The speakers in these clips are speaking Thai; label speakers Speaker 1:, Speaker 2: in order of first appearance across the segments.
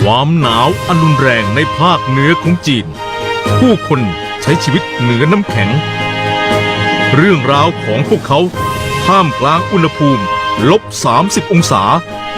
Speaker 1: ความหนาวอันรุนแรงในภาคเหนือของจีนผู้คนใช้ชีวิตเหนือน้ำแข็งเรื่องราวของพวกเขาท่ามกลางอุณหภูมิ-30 องศา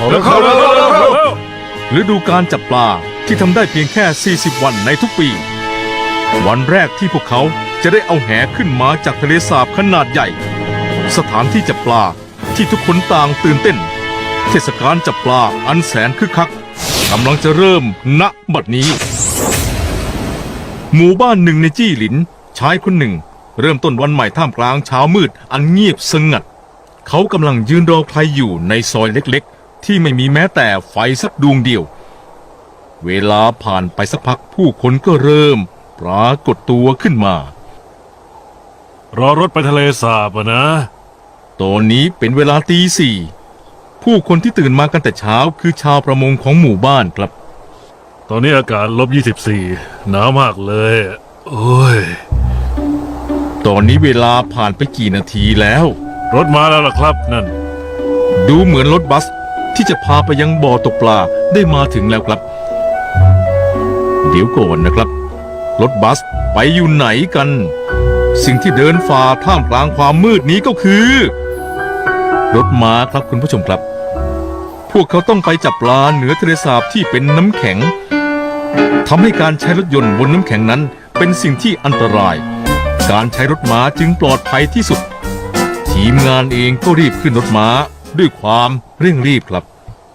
Speaker 1: ฤดูการจับปลาที่ทำได้เพียงแค่40วันในทุกปีวันแรกที่พวกเขาจะได้เอาแหขึ้นมาจากทะเลสาบขนาดใหญ่สถานที่จับปลาที่ทุกคนต่างตื่นเต้นเทศกาลจับปลาอันแสนคึกคักกำลังจะเริ่มณบัดนี้หมู่บ้านหนึ่งในจี้หลินชายคนหนึ่งเริ่มต้นวันใหม่ท่ามกลางเช้ามืดอันเงียบสงัดเขากำลังยืนรอใครอยู่ในซอยเล็กๆที่ไม่มีแม้แต่ไฟสักดวงเดียวเวลาผ่านไปสักพักผู้คนก็เริ่มปรากฏตัวขึ้นมารอรถไปทะเลสาบนะตอนนี้เป็นเวลาตี 4ผู้คนที่ตื่นมากันแต่เช้าคือชาวประมงของหมู่บ้านครับตอนนี้อากาศ-24หนาวมากเลยโอ้ยตอนนี้เวลาผ่านไปกี่นาทีแล้วรถมาแล้วล่ะครับนั่นดูเหมือนรถบัสที่จะพาไปยังบ่อตกปลาได้มาถึงแล้วครับเดี๋ยวก่อนนะครับรถบัสไปอยู่ไหนกันสิ่งที่เดินฝ่าท่ามกลางความมืดนี้ก็คือรถม้าครับคุณผู้ชมครับพวกเขาต้องไปจับปลาเหนือทะเลสาบที่เป็นน้ำแข็งทำให้การใช้รถยนต์บนน้ำแข็งนั้นเป็นสิ่งที่อันตรายการใช้รถม้าจึงปลอดภัยที่สุดทีมงานเองก็รีบขึ้นรถม้าด้วยความเร่งรีบครับ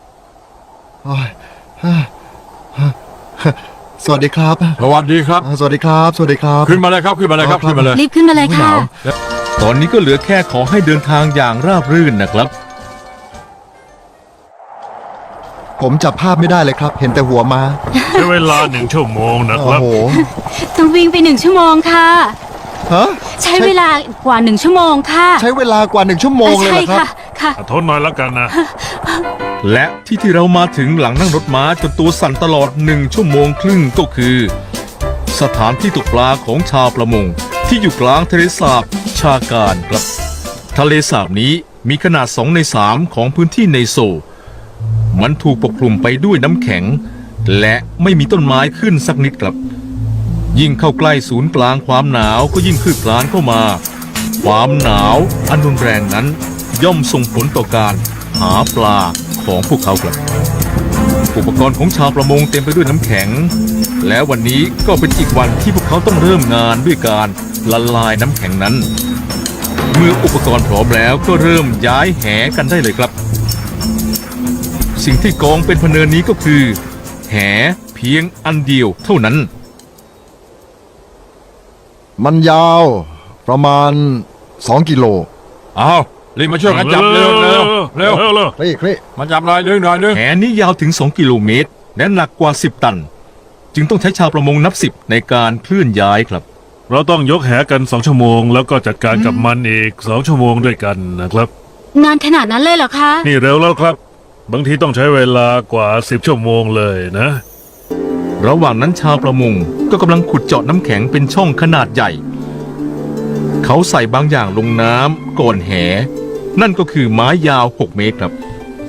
Speaker 2: สวัสดีครับ
Speaker 3: สวัสดีครับ
Speaker 2: สวัสดีครับสวัสดีครับ
Speaker 3: ขึ้นมาเลยครับขึ้นมาเลยครับขึ้นมาเลย
Speaker 4: รีบขึ้นมาเลยค่ะ
Speaker 1: ตอนนี้ก็เหลือแค่ขอให้เดินทางอย่างราบรื่นนะครับ
Speaker 2: ผมจับภาพไม่ได้เลยครับเห็นแต่หัวมา
Speaker 5: ใช้เวลา1 ชั่วโมงนะครับ
Speaker 2: โอ้โห
Speaker 4: ต้องวิ่งไป1 ชั่วโมงค่ะ
Speaker 2: ฮะ
Speaker 4: ใช้เวลากว่า1 ชั่วโมงค่ะ
Speaker 2: ใช้เวลากว่า1 ชั่วโมงเลยเหรอครับ
Speaker 4: ค่ะ
Speaker 5: ทนหน่อยแล้วกันนะ
Speaker 1: และที่เรามาถึงหลังนั่งรถม้าจนตัวสั่นตลอด1 ชั่วโมงครึ่งก็คือสถานที่ตกปลาของชาวประมงที่อยู่กลางทะเลสาบชาการครับทะเลสาบนี้มีขนาด2 ใน 3ของพื้นที่ในโซมันถูกปกคลุมไปด้วยน้ำแข็งและไม่มีต้นไม้ขึ้นสักนิดครับยิ่งเข้าใกล้ศูนย์กลางความหนาวก็ยิ่งคืบคลานเข้ามาความหนาวอันรุนแรงนั้นย่อมส่งผลต่อการหาปลาของพวกเขาครับอุปกรณ์ของชาวประมงเต็มไปด้วยน้ำแข็งและวันนี้ก็เป็นอีกวันที่พวกเขาต้องเริ่มงานด้วยการละลายน้ำแข็งนั้นเมื่ออุปกรณ์พร้อมแล้วก็เริ่มย้ายแหกันได้เลยครับสิ่งที่กองเป็นพเนินนี้ก็คือแหเพียงอันเดียวเท่านั้น
Speaker 2: มันยาวประมาณ2 กิโล
Speaker 3: อ้าวรีบมาช่วยกันจับเร็วเร็วเร็ว
Speaker 2: คลี่
Speaker 3: มาจับหน่อยนึง
Speaker 1: แหนี้ยาวถึง2 กิโลเมตรและหนักกว่า10 ตันจึงต้องใช้ชาวประมงนับ10ในการเคลื่อนย้ายครับ
Speaker 5: เราต้องยกแหกัน2 ชั่วโมงแล้วก็จัดการกับมันอีก2 ชั่วโมงด้วยกันนะครับ
Speaker 4: นานขนาดนั้นเลยเหรอคะ
Speaker 5: นี่เร็วแล้วครับบางทีต้องใช้เวลากว่า10 ชั่วโมงเลยนะ
Speaker 1: ระหว่างนั้นชาวประมงก็กำลังขุดเจาะน้ำแข็งเป็นช่องขนาดใหญ่เขาใส่บางอย่างลงน้ำก่อนแหนั่นก็คือไม้ยาว6 เมตรครับ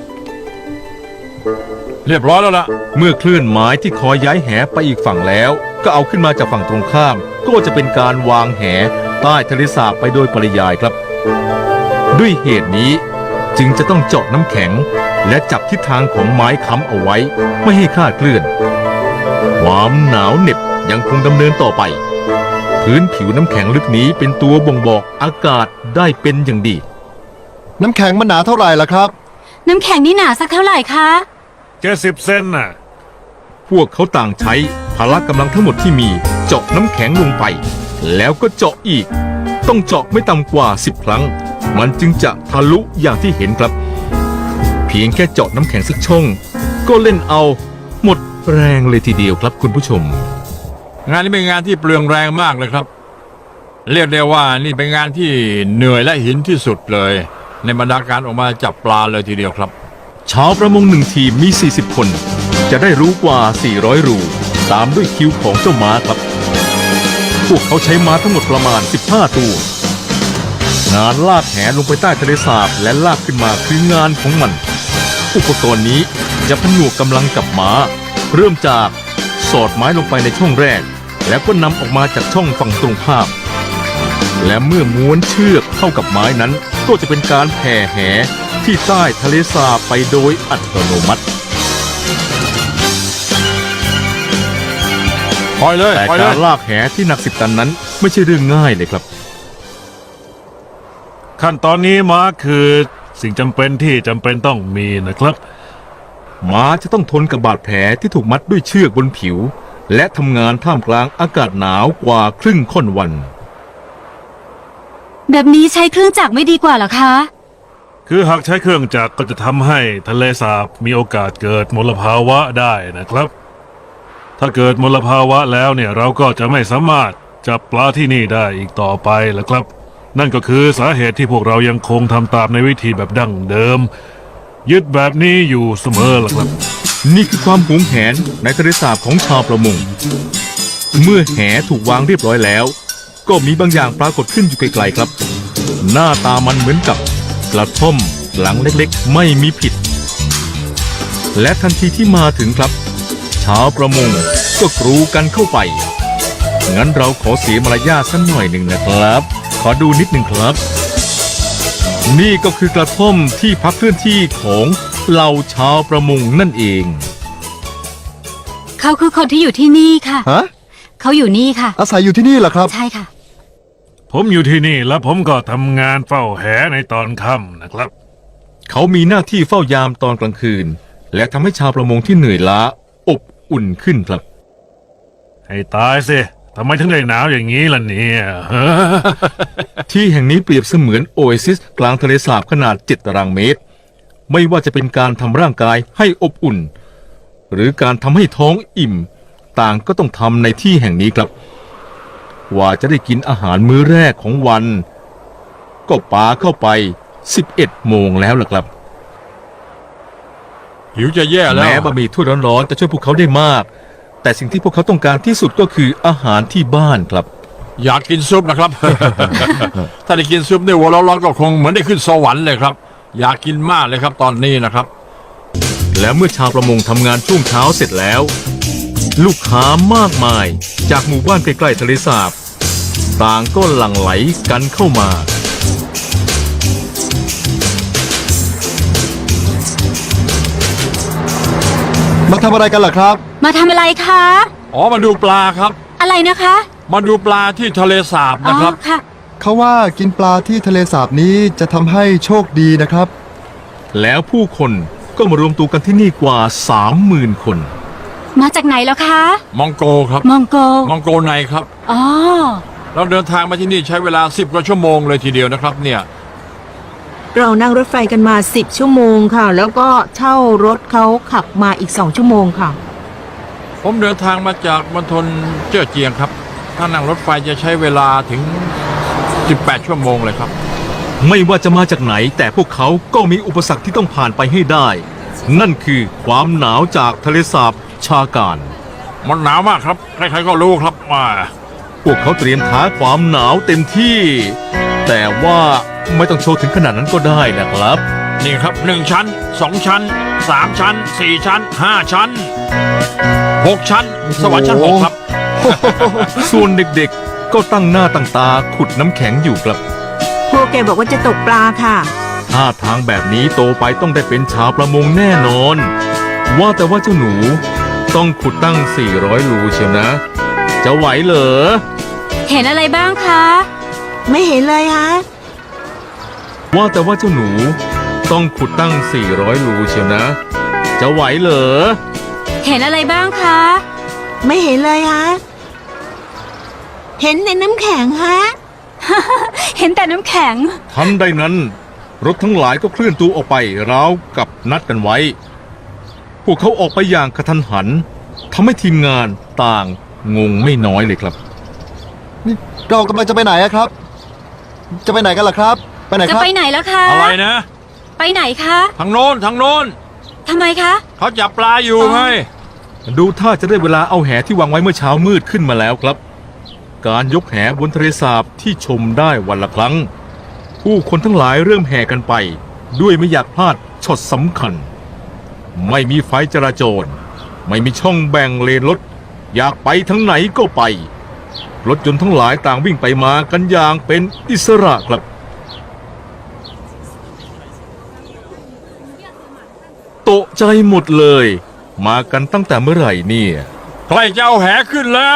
Speaker 3: เรียบร้อยแล้วล่ะ
Speaker 1: เมื่อเคลื่อนไม้ที่คอยย้ายแหไปอีกฝั่งแล้วก็เอาขึ้นมาจากฝั่งตรงข้ามก็จะเป็นการวางแหใต้ทะเลสาบไปโดยปริยายครับด้วยเหตุนี้จึงจะต้องเจาะน้ำแข็งและจับทิศทางของไม้ค้ำเอาไว้ไม่ให้คลาดเคลื่อนความหนาวเหน็บยังคงดำเนินต่อไปพื้นผิวน้ำแข็งลึกนี้เป็นตัวบ่งบอกอากาศได้เป็นอย่างดี
Speaker 2: น้ำแข็งมันหนาเท่าไหร่ล่ะครับ
Speaker 4: น้ำแข็งนี่หนาสักเท่าไหร่คะ
Speaker 5: 70 เซนน่ะ
Speaker 1: พวกเขาต่างใช้พละกำลังทั้งหมดที่มีเจาะน้ำแข็งลงไปแล้วก็เจาะอีกต้องเจาะไม่ต่ำกว่า10 ครั้งมันจึงจะทะลุอย่างที่เห็นครับเพียงแค่เจาะน้ำแข็งสักช่องก็เล่นเอาหมดแรงเลยทีเดียวครับคุณผู้ชม
Speaker 3: งานนี้เป็นงานที่เปลืองแรงมากเลยครับเรียกได้ว่านี่เป็นงานที่เหนื่อยและหินที่สุดเลยในบรรดาการออกมาจับปลาเลยทีเดียวครับ
Speaker 1: ชาวประมง1 ทีมมี40 คนจะได้รู้กว่า400 รูตามด้วยคิวของเจ้าม้าครับพวกเขาใช้ม้าทั้งหมดประมาณ15 ตัวงานลากแหลงไปใต้ทะเลสาบและลากขึ้นมาคืองานของมันอุปกรณ์นี้จะผนวกกำลังกับม้าเริ่มจากสอดไม้ลงไปในช่องแรก แล้วก็นำออกมาจากช่องฝั่งตรงข้าม และเมื่อม้วนเชือกเข้ากับไม้นั้น ก็จะเป็นการแผ่แหที่ใต้ทะเลสาบไปโดยอัตโนมัติ
Speaker 3: ปล่อยเลย
Speaker 1: แต่
Speaker 3: ปล่อยเล
Speaker 1: การ
Speaker 3: ย
Speaker 1: ลากแหที่หนัก10 ตันนั้นไม่ใช่เรื่องง่ายเลยครับ
Speaker 5: ขั้นตอนนี้มาร์คคือสิ่งจำเป็นที่จำเป็นต้องมีนะครับ
Speaker 1: ม้าจะต้องทนกับบาดแผลที่ถูกมัดด้วยเชือกบนผิว และทำงานท่ามกลางอากาศหนาวกว่าครึ่งค่อนวัน
Speaker 4: แบบนี้ใช้เครื่องจักรไม่ดีกว่าเหรอคะ
Speaker 5: คือหากใช้เครื่องจักรก็จะทำให้ทะเลสาบมีโอกาสเกิดมลภาวะได้นะครับ ถ้าเกิดมลภาวะแล้วเนี่ยเราก็จะไม่สามารถจับปลาที่นี่ได้อีกต่อไปแล้วครับ นั่นก็คือสาเหตุที่พวกเรายังคงทำตามในวิธีแบบดั้งเดิม ยึดแบบนี้อยู่เสมอล่ะครับ
Speaker 1: นี่คือความหวงแหนในทะเลสาบของชาวประมง เมื่อแหถูกวางเรียบร้อยแล้ว ก็มีบางอย่างปรากฏขึ้นอยู่ไกลๆครับ หน้าตามันเหมือนกับกระท่อมหลังเล็กๆไม่มีผิด และทันทีที่มาถึงครับ ชาวประมงก็กรูกันเข้าไป งั้นเราขอเสียมารยาทสักหน่อยหนึ่งนะครับ ขอดูนิดหนึ่งครับ นี่ก็คือกระท่อมที่พักเคลื่อนที่ของเหล่าชาวประมงนั่นเอง
Speaker 4: เขาคือคนที่อยู่ที่นี่ค่ะ
Speaker 2: ฮะ
Speaker 4: เขาอยู่นี่ค่ะ
Speaker 2: อาศัยอยู่ที่นี่เหรอครับ
Speaker 4: ใช่ค่ะ
Speaker 5: ผมอยู่ที่นี่แล้วผมก็ทำงานเฝ้าแหในตอนค่ำนะครับ
Speaker 1: เขามีหน้าที่เฝ้ายามตอนกลางคืน และทำให้ชาวประมงที่เหนื่อยล้าอบอุ่นขึ้นครับ
Speaker 5: ให้ตายสิทำไมถึงได้หนาวอย่างนี้ล่ะเนี่ย
Speaker 1: ที่แห่งนี้เปรียบเสมือนโอเอซิสกลางทะเลสาบขนาด7 ตารางเมตร ไม่ว่าจะเป็นการทำร่างกายให้อบอุ่น หรือการทำให้ท้องอิ่ม ต่างก็ต้องทำในที่แห่งนี้ครับกว่าจะได้กินอาหารมื้อแรกของวัน ก็ปาเข้าไป 11 โมงแล้วล่ะครับ
Speaker 3: หิวจะแย่แล้ว
Speaker 1: แม้บะหมี่ถ้วยร้อนๆจะช่วยพวกเขาได้มาก แต่สิ่งที่พวกเขาต้องการที่สุดก็คืออาหารที่บ้านครับ
Speaker 3: อยากกินซุปนะครับ ถ้าได้กินซุปในหัวร้อนๆก็คงเหมือนได้ขึ้นสวรรค์เลยครับ อยากกินมากเลยครับตอนนี้นะครับ
Speaker 1: และเมื่อชาวประมงทำงานช่วงเช้าเสร็จแล้ว ลูกค้ามากมายจากหมู่บ้านใกล้ๆทะเลสาบ ต่างก็หลั่งไหลกันเข้ามา
Speaker 2: มาทำอะไรกันล่ะครับ
Speaker 4: มาทำอะไรคะ
Speaker 3: อ๋อมาดูปลาครับ
Speaker 4: อะไรนะคะ
Speaker 3: มาดูปลาที่ทะเลสาบ
Speaker 4: อ๋อ
Speaker 3: นะครับ
Speaker 4: ค่ะ
Speaker 2: เขาว่ากินปลาที่ทะเลสาบนี้จะทำให้โชคดีนะครับ
Speaker 1: แล้วผู้คนก็มารวมตัวกันที่นี่กว่า 30,000 คน
Speaker 4: มาจากไหนแล้วคะ
Speaker 3: มองโกครับ
Speaker 4: มองโก
Speaker 3: มองโกในครับ
Speaker 4: อ๋อ
Speaker 3: เราเดินทางมาที่นี่ใช้เวลา10 กว่าชั่วโมงเลยทีเดียวนะครับเนี่ย
Speaker 6: เรานั่งรถไฟกันมา10 ชั่วโมงค่ะ แล้วก็เช่ารถเขาขับมาอีก2 ชั่วโมงค่ะ
Speaker 3: ผมเดินทางมาจากมณฑลเจ้อเจียงครับ ถ้านั่งรถไฟจะใช้เวลาถึง 18 ชั่วโมงเลยครับ
Speaker 1: ไม่ว่าจะมาจากไหนแต่พวกเขาก็มีอุปสรรคที่ต้องผ่านไปให้ได้ นั่นคือความหนาวจากทะเลสาบชาการ
Speaker 3: มันหนาวมากครับ ใครๆก็รู้ครับว่า
Speaker 1: พวกเขาเตรียมท้าความหนาวเต็มที่ แต่ว่าไม่ต้องโชว์ถึงขนาดนั้นก็ได้นะครับ
Speaker 3: นี่ครับ1 ชั้น 2 ชั้น 3 ชั้น 4 ชั้น 5 ชั้น 6 ชั้น สวรรค์ชั้น 6 ครับ
Speaker 1: ส่วนเด็กๆก็ตั้งหน้าตั้งตาขุดน้ำแข็งอยู่ครับ
Speaker 6: พวกแกบอกว่าจะตกปลาค่ะ
Speaker 1: ท่าทางแบบนี้โตไปต้องได้เป็นชาวประมงแน่นอน ว่าแต่ว่าเจ้าหนูต้องขุดตั้ง 400 รูเชียวนะ จะไหวเหรอ
Speaker 4: เห็นอะไรบ้างคะ
Speaker 6: ไม่เห็นเลยฮะ
Speaker 1: ว่าแต่ว่าเจ้าหนูต้องขุดตั้ง 400 รูเชียวนะ จะไหวเหรอ
Speaker 4: เห็นอะไรบ้างคะ
Speaker 6: ไม่เห็นเลยฮะ เห็นในน้ำแข็งฮะ
Speaker 4: เห็นแต่น้ำแข็ง
Speaker 1: ทันใดนั้น รถทั้งหลายก็เคลื่อนตัวออกไปราวกับนัดกันไว้ พวกเขาออกไปอย่างกระทันหันทำให้ทีมงานต่างงงไม่น้อยเลยครับ
Speaker 2: นี่เรากำลังจะไปไหนอะครับ จะไปไหนกันล่ะครับ ไปไหน
Speaker 4: จะ
Speaker 2: ครับ
Speaker 4: ไปไหนแล้วคะ
Speaker 3: อะไรนะ
Speaker 4: ไปไหนคะ
Speaker 3: ทางโน้นทางโน้น
Speaker 4: ทำไมคะ
Speaker 3: เขาจับปลาอยู่ไง
Speaker 1: ดูท่าจะได้เวลาเอาแหที่วางไว้เมื่อเช้ามืดขึ้นมาแล้วครับ การยกแหบนทะเลสาบที่ชมได้วันละครั้ง ผู้คนทั้งหลายเริ่มแห่กันไป ด้วยไม่อยากพลาดช็อตสำคัญ ไม่มีไฟจราจรไม่มีช่องแบ่งเลนรถ อยากไปทั้งไหนก็ไป รถยนต์ทั้งหลายต่างวิ่งไปมากันอย่างเป็นอิสระครับตกใจหมดเลย มากันตั้งแต่เมื่อไหร่เนี่ย
Speaker 3: ใกล้จะเอาแหขึ้นแล้ว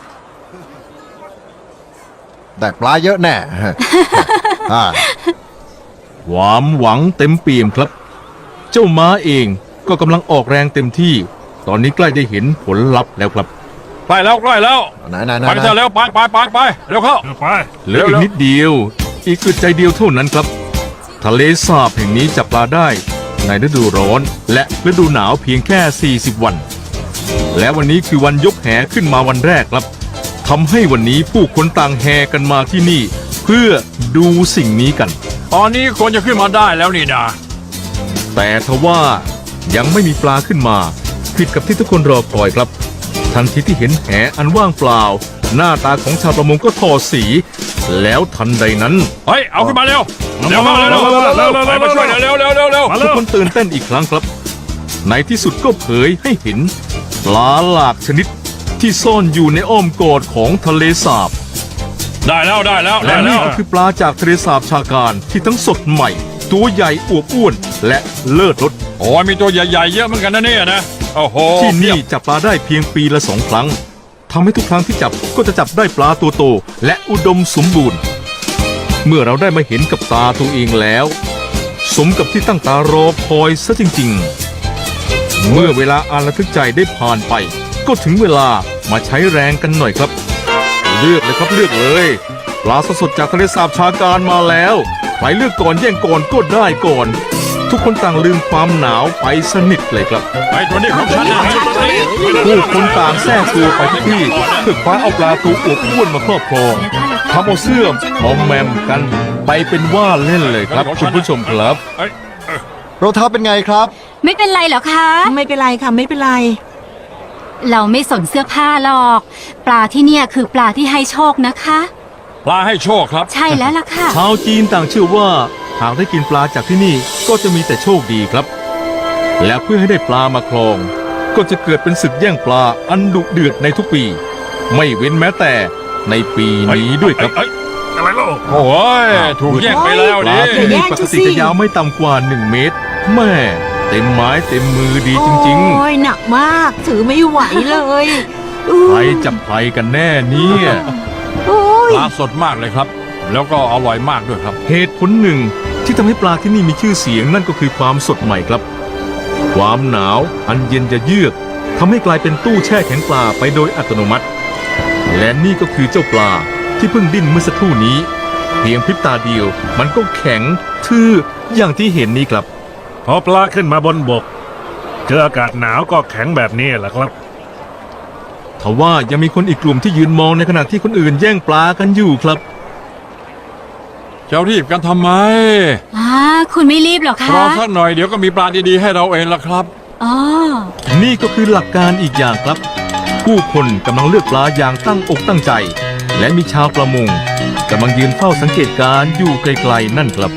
Speaker 2: แต่ปลาเยอะแน่ อ่า
Speaker 1: ความหวังเต็มเปี่ยมครับ เจ้าม้าเองก็กำลังออกแรงเต็มที่ ตอนนี้ใกล้ได้เห็นผลลัพธ์แล้วครับ
Speaker 3: ใกล้แล้วใกล้แล้ว
Speaker 2: ไหนไหนไหน
Speaker 3: ไปเถอะเร็วไปเร็วเข้า
Speaker 5: ไป
Speaker 1: เหลืออีกนิดเดียว อีกอึดใจเดียวเท่านั้นครับ ทะเลสาบแห่งนี้จับปลาได้ในฤดูร้อนและฤดูหนาวเพียงแค่ 40 วัน และวันนี้คือวันยกแหขึ้นมาวันแรกครับทำให้วันนี้ผู้คนต่างแห่กันมาที่นี่ เพื่อดูสิ่งนี้กัน
Speaker 3: ตอนนี้คนจะขึ้นมาได้แล้วนี่นะ
Speaker 1: แต่ทว่ายังไม่มีปลาขึ้นมา ผิดกับที่ทุกคนรอคอยครับ ทันทีที่เห็นแหอันว่างเปล่า หน้าตาของชาวประมงก็ทอดสี แล้วทันใดนั้น
Speaker 3: เฮ้ยเอาขึ้นมาเร็วเร็วเข้าเร็วไปมาช่วยเร็ว
Speaker 5: มา
Speaker 1: ทุ
Speaker 5: เร็
Speaker 1: ก
Speaker 5: ว
Speaker 1: คนตื่นเต้นอีกครั้งครับ ในที่สุดก็เผยให้เห็นปลาหลากชนิดที่ซ่อนอยู่ในอ้อมกอดของทะเลสาบ
Speaker 3: ได้แล้ว
Speaker 1: และนี่ก็คือปลาจากทะเลสาบชาการที่ทั้งสดใหม่ ตัวใหญ่อวบอ้วนและเลิศรส
Speaker 3: โอ้ยมีตัวใหญ่ๆเยอะเหมือนกันนะเนี่ยนะโอ้โห
Speaker 1: ที่นี่จับปลาได้เพียงปีละ2 ครั้งทำให้ทุกครั้งที่จับก็จะจับได้ปลาตัวโตและอุดมสมบูรณ์ เมื่อเราได้มาเห็นกับตาตัวเองแล้ว สมกับที่ตั้งตารอคอยซะจริงๆ เมื่อเวลาอันระทึกใจได้ผ่านไป ก็ถึงเวลามาใช้แรงกันหน่อยครับ เลือกเลยครับเลือกเลยปลาสดๆจากทะเลสาบชาการมาแล้วใครเลือกก่อนแย่งก่อนก็ได้ก่อน ทุกคนต่างลืมความหนาวไปสนิทเลยครับ
Speaker 3: ไอ้ตัวนี้ของฉันนะ
Speaker 1: ผู้คนต่างแทรกตัวไปทุกที่เพื่อคว้าเอาปลาตัวอวบอ้วนมาครอบครองทำเอาเสื้อมอมแมมกันไปเป็นว่าเล่นเลยครับคุณผู้ชมครับ
Speaker 2: รองเท้าเป็นไงครับ
Speaker 4: ไม่เป็นไรเหรอคะ
Speaker 6: ไม่เป็นไรค่ะไม่เป็นไร
Speaker 4: เราไม่สนเสื้อผ้าหรอก ปลาที่เนี่ยคือปลาที่ให้โชคนะคะ
Speaker 3: ปลาให้โชคครับ
Speaker 4: ใช่แล้วล่ะค่ะ
Speaker 1: ชาวจีนต่างเชื่อว่าหากได้กินปลาจากที่นี่ก็จะมีแต่โชคดีครับ และเพื่อให้ได้ปลามาครอง ก็จะเกิดเป็นศึกแย่งปลาอันดุเดือดในทุกปี ไม่เว้นแม้แต่ในปีนี้ด้วยครับ
Speaker 5: อะไรล่ะ
Speaker 3: โอ้ยถูกแย่งไปแล้ว
Speaker 1: ป
Speaker 3: ดิ
Speaker 1: ลาที่นี่
Speaker 6: แย่ง
Speaker 1: ปก
Speaker 6: จะสิ
Speaker 1: ติจะยาวไม่ต่ำกว่า1 เมตรแม่เต็มไม้เต็มมือดีจริง
Speaker 6: โอ้ยหนักมากถือไม่ไหวเลย
Speaker 1: ๆใครจับใครกันแน่เนี่ย
Speaker 6: โอ้ย
Speaker 3: ปลาสดมากเลยครับ แล้วก็อร่อยมากด้วยครับ
Speaker 1: เหตุผลหนึ่งที่ทำให้ปลาที่นี่มีชื่อเสียงนั่นก็คือความสดใหม่ครับ ความหนาวอันเย็นจะเยือกทำให้กลายเป็นตู้แช่แข็งปลาไปโดยอัตโนมัติ และนี่ก็คือเจ้าปลาที่เพิ่งดิ้นเมื่อสักครู่นี้ เพียงพริบตาเดียวมันก็แข็งทื่ออย่างที่เห็นนี้ครับ
Speaker 5: พอปลาขึ้นมาบนบก เจออากาศหนาวก็แข็งแบบนี้แหละครับ
Speaker 1: ทว่ายังมีคนอีกกลุ่มที่ยืนมองในขณะที่คนอื่นแย่งปลากันอยู่ครับ
Speaker 3: จะรีบกันทำไม
Speaker 4: คุณไม่รีบหรอคะ
Speaker 3: รอสักหน่อยเดี๋ยวก็มีปลาดีๆให้เราเองละครับ
Speaker 4: อ๋อ
Speaker 1: นี่ก็คือหลักการอีกอย่างครับ ผู้คนกำลังเลือกปลาอย่างตั้งอกตั้งใจ และมีชาวประมงกำลังยืนเฝ้าสังเกตการณ์อยู่ไกลๆนั่นครับ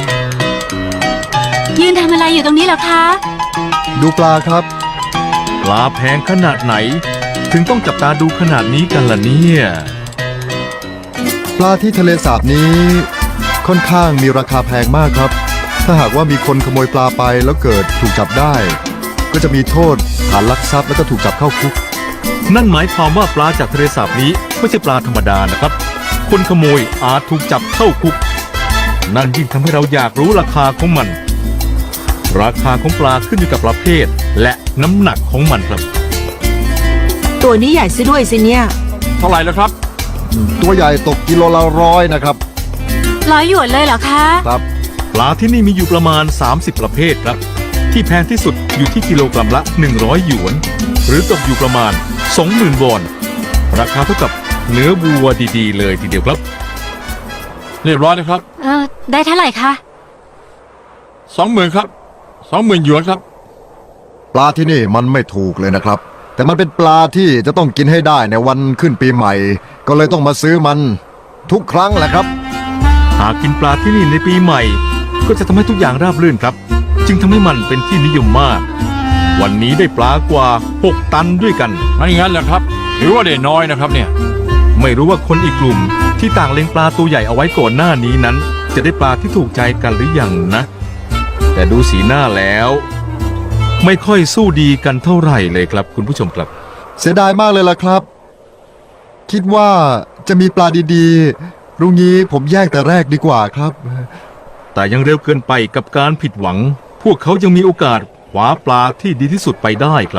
Speaker 4: ยืนทำอะไรอยู่ตรงนี้เหรอคะ
Speaker 2: ดูปลาครับ
Speaker 1: ปลาแพงขนาดไหน ถึงต้องจับตาดูขนาดนี้กันล่ะเนี่ย
Speaker 2: ปลาที่ทะเลสาบนี้ค่อนข้างมีราคาแพงมากครับ ถ้าหากว่ามีคนขโมยปลาไปแล้วเกิดถูกจับได้ ก็จะมีโทษฐานลักทรัพย์แล้วก็ถูกจับเข้าคุก
Speaker 1: นั่นหมายความว่าปลาจากทะเลสาบนี้ไม่ใช่ปลาธรรมดานะครับ คนขโมยอาจถูกจับเข้าคุก นั่นยิ่งทำให้เราอยากรู้ราคาของมัน ราคาของปลาขึ้นอยู่กับประเภท และน้ำหนักของมันครับ
Speaker 6: ตัวนี้ใหญ่ซะด้วยสิเนี่ย
Speaker 3: เท่าไหร่แล้วครับ
Speaker 2: ตัวใหญ่ตกกิโลละ100นะครับ
Speaker 4: 100 หยวนเลยเหรอคะ
Speaker 2: ครับ
Speaker 1: ปลาที่นี่มีอยู่ประมาณ 30 ประเภทครับ ที่แพงที่สุดอยู่ที่กิโลกรัมละ 100 หยวน หรือตกอยู่ประมาณ 20,000 วอน ราคาเท่ากับเนื้อวัวดีๆ เลยทีเดียวครับ
Speaker 3: เรียบร้อยนะครับ
Speaker 4: ได้เท่าไหร่คะ
Speaker 3: 20,000ครับ20,000หยวนครับ
Speaker 2: ปลาที่นี่มันไม่ถูกเลยนะครับ แต่มันเป็นปลาที่จะต้องกินให้ได้ในวันขึ้นปีใหม่ ก็เลยต้องมาซื้อมันทุกครั้งแหละครับ
Speaker 1: หากกินปลาที่นี่ในปีใหม่ ก็จะทำให้ทุกอย่างราบรื่นครับ จึงทำให้มันเป็นที่นิยมมากวันนี้ได้ปลากว่า 6 ตันด้วยกัน
Speaker 3: มันอย่างนั้นเหรอครับถือว่าได้น้อยนะครับเนี่ย
Speaker 1: ไม่รู้ว่าคนอีกกลุ่มที่ต่างเล็งปลาตัวใหญ่เอาไว้ก่อนหน้านี้นั้น จะได้ปลาที่ถูกใจกันหรือยังนะ แต่ดูสีหน้าแล้ว ไม่ค่อยสู้ดีกันเท่าไหร่เลยครับคุณผู้ชมครับ
Speaker 2: เสียดายมากเลยล่ะครับ คิดว่าจะมีปลาดีๆรุ่งนี้ผมแยกแต่แรกดีกว่าครับ
Speaker 1: แต่ยังเร็วเกินไปกับการผิดหวัง พวกเขายังมีโอกาสคว้าปลาที่ดีที่สุดไปได้ครับ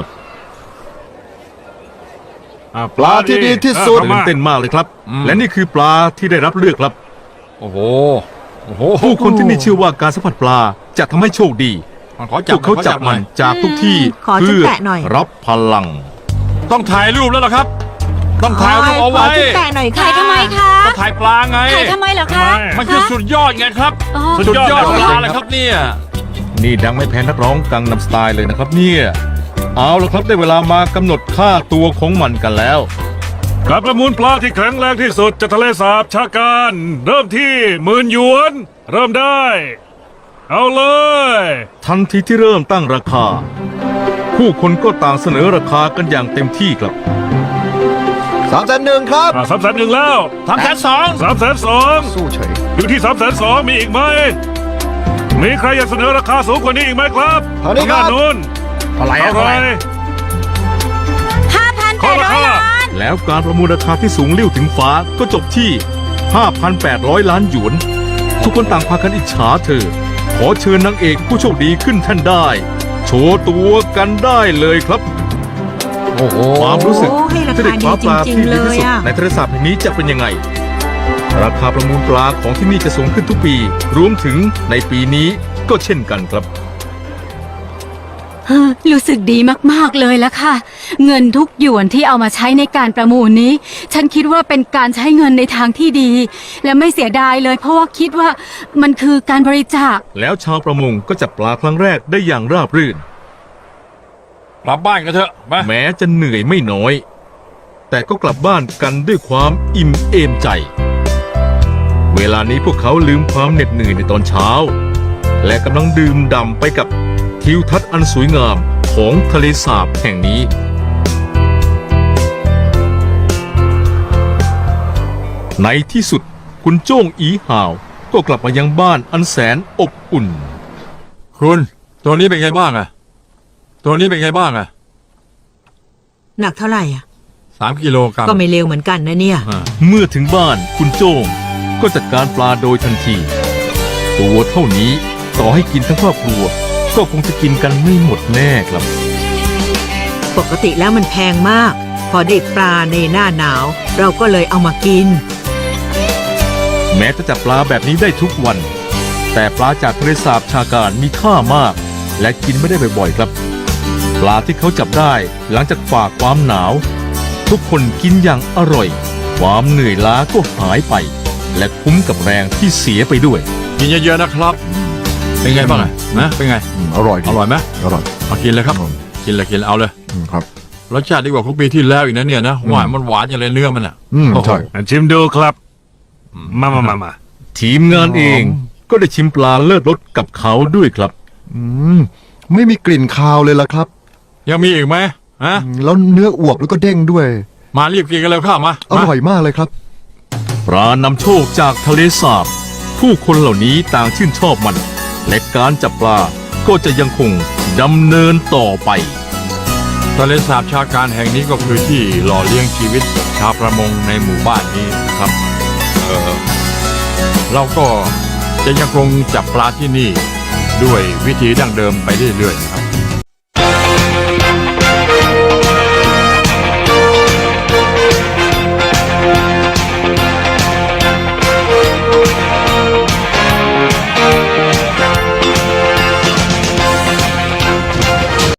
Speaker 2: ปลาที่ดีที่สุด
Speaker 1: ตื่นเต้นมากเลยครับ และนี่คือปลาที่ได้รับเลือกครับ
Speaker 3: โอ้โหโอ้โห
Speaker 1: ผู้คนที่นี่เชื่อว่าการสัมผัสปลาจะทำให้โชคดี
Speaker 3: มันขอ
Speaker 1: พ
Speaker 3: จับ
Speaker 1: วกเขาจับ
Speaker 3: ห
Speaker 1: มั
Speaker 3: อน ย
Speaker 1: จากทุกที่
Speaker 6: ขอฉัน
Speaker 1: เพื่อ
Speaker 6: แตะหน่อย
Speaker 1: รับพลัง
Speaker 3: ต้องถ่ายรูปแล้วล่ะครับ ต้องถ่ายรูปเอา
Speaker 6: ขอ
Speaker 3: ไว้
Speaker 6: ฉันแตะหน่อยค่ะ
Speaker 4: ถ่ายทำไมคะ
Speaker 3: ต้องถ่ายปลาไง
Speaker 4: ถ่ายทำไมเหรอคะ
Speaker 3: มันคือสุดยอดไงครับ
Speaker 4: อ๋อ
Speaker 3: สุดยอดปลาเลยครับเนี่ย
Speaker 1: นี่ดังไม่แพ้นักร้องกังนำสไตล์เลยนะครับเนี่ยเอาละครับได้เวลามากำหนดค่าตัวของมันกันแล้ว
Speaker 5: การประมูลปลาที่แข็งแรงที่สุดจากทะเลสาบชาการ เริ่มที่10,000 หยวน เริ่มได้ เอาเลย
Speaker 1: ทันทีที่เริ่มตั้งราคา ผู้คนก็ต่างเสนอราคากันอย่างเต็มที่ครับ
Speaker 2: 301,000ครับ
Speaker 5: 301,000แล้ว
Speaker 3: 302
Speaker 5: 302,000
Speaker 2: สู้เฉย
Speaker 5: อยู่ที่302,000มีอีกไหม มีใครอยากเสนอราคาสูงกว่านี้อีกไหมครับ
Speaker 2: เท่านี้ครับ
Speaker 5: ทงด้านนู้น
Speaker 1: เท่าไหร่
Speaker 5: เท่าไหร่ ขอราคา
Speaker 4: 5,800 ล้าน
Speaker 1: แล้วการประมูลราคาที่สูงลิ่วถึงฟ้าก็จบที่ 5,800 ล้านหยวน ทุกคนต่างพากันอิจฉาเธอ ขอเชิญนางเอกผู้โชคดีขึ้นแท่นได้ โชว์ตัวกันได้เลยครับ
Speaker 3: โอ้โห
Speaker 1: ความรู้สึก
Speaker 6: โอ้ให้รา
Speaker 1: ที่
Speaker 6: คา
Speaker 1: ได้คว้าปลา
Speaker 6: ดีจริ
Speaker 1: ที่
Speaker 6: งๆ
Speaker 1: ดีที่สุด
Speaker 6: เลยอะ
Speaker 1: ในทะเลสาบแห่งนี้จะเป็นยังไง ราคาประมูลปลาของที่นี่จะสูงขึ้นทุกปี รวมถึงในปีนี้ก็เช่นกันครับ
Speaker 4: รู้สึกดีมากๆเลยละค่ะ เงินทุกหยวนที่เอามาใช้ในการประมูลนี้ ฉันคิดว่าเป็นการใช้เงินในทางที่ดี และไม่เสียดายเลย เพราะว่าคิดว่ามันคือการบริจาค
Speaker 1: แล้วชาวประมงก็จับปลาครั้งแรกได้อย่างราบรื่น
Speaker 3: กลับบ้านกันเถอะไป
Speaker 1: แม้จะเหนื่อยไม่น้อย แต่ก็กลับบ้านกันด้วยความอิ่มเอมใจ เวลานี้พวกเขาลืมความเหน็ดเหนื่อยในตอนเช้า และกำลังดื่มด่ำไปกับทิวทัศน์อันสวยงามของทะเลสาบแห่งนี้ ในที่สุดคุณโจ้งอีห่าวก็กลับมายังบ้านอันแสนอบอุ่น
Speaker 3: คุณตัวนี้เป็นไงบ้างอะตัวนี้เป็นไงบ้างอะ
Speaker 6: หนักเท่าไหร่อ่ะ
Speaker 3: 3 กิโลกรัม
Speaker 6: ก็ไม่เร็วเหมือนกันนะเนี่ย
Speaker 3: อ่า
Speaker 1: เมื่อถึงบ้านคุณโจ้งก็จัดการปลาโดยทันที ตัวเท่านี้ต่อให้กินทั้งครอบครัว ก็คงจะกินกันไม่หมดแน่ครับ
Speaker 6: ปกติแล้วมันแพงมาก พอได้ปลาในหน้าหนาว เราก็เลยเอามากิน
Speaker 1: แม้จะจับปลาแบบนี้ได้ทุกวัน แต่ปลาจากทะเลสาบชาการมีค่ามาก และกินไม่ได้บ่อยๆครับ ปลาที่เขาจับได้หลังจากฝ่าความหนาว ทุกคนกินอย่างอร่อย ความเหนื่อยล้าก็หายไป และคุ้มกับแรงที่เสียไปด้วย
Speaker 3: กินเยอะๆนะครับ เป็นไงบ้างอะนะเป็นไง
Speaker 2: อร่อยดี
Speaker 3: อร่อยไหม
Speaker 2: อร่อย
Speaker 3: เอากินเลยครับ กินเลยเอาเลย
Speaker 2: ครับ
Speaker 3: รสชาติดีกว่าของปีที่แล้วอีกนะเนี่ยนะหวานมันหวานอย่างเลยเนื้อมันอ่ะ
Speaker 2: ใช่
Speaker 5: ชิมดูครับ มา
Speaker 1: ทีมงานเองก็ได้ชิมปลาเลิศรสกับเขาด้วยครับ
Speaker 2: ไม่มีกลิ่นคาวเลยล่ะครับ
Speaker 3: ยังมีอีกไหมฮะ
Speaker 2: แล้วเนื้ออวบแล้วก็เด้งด้วย
Speaker 3: มารีบกินกันเลยข้ามา
Speaker 2: อร่อยมากเลยครับ
Speaker 1: ปลานำโชคจากทะเลสาบ ผู้คนเหล่านี้ต่างชื่นชอบมัน และการจับปลาก็จะยังคงดำเนินต่อไป
Speaker 3: ทะเลสาบชาการแห่งนี้ก็คือที่หล่อเลี้ยงชีวิตชาวประมงในหมู่บ้านนี้ครับ เราก็จะยังคงจับปลาที่นี่ด้วยวิธีดั้งเดิมไปเรื่อยๆนะครับ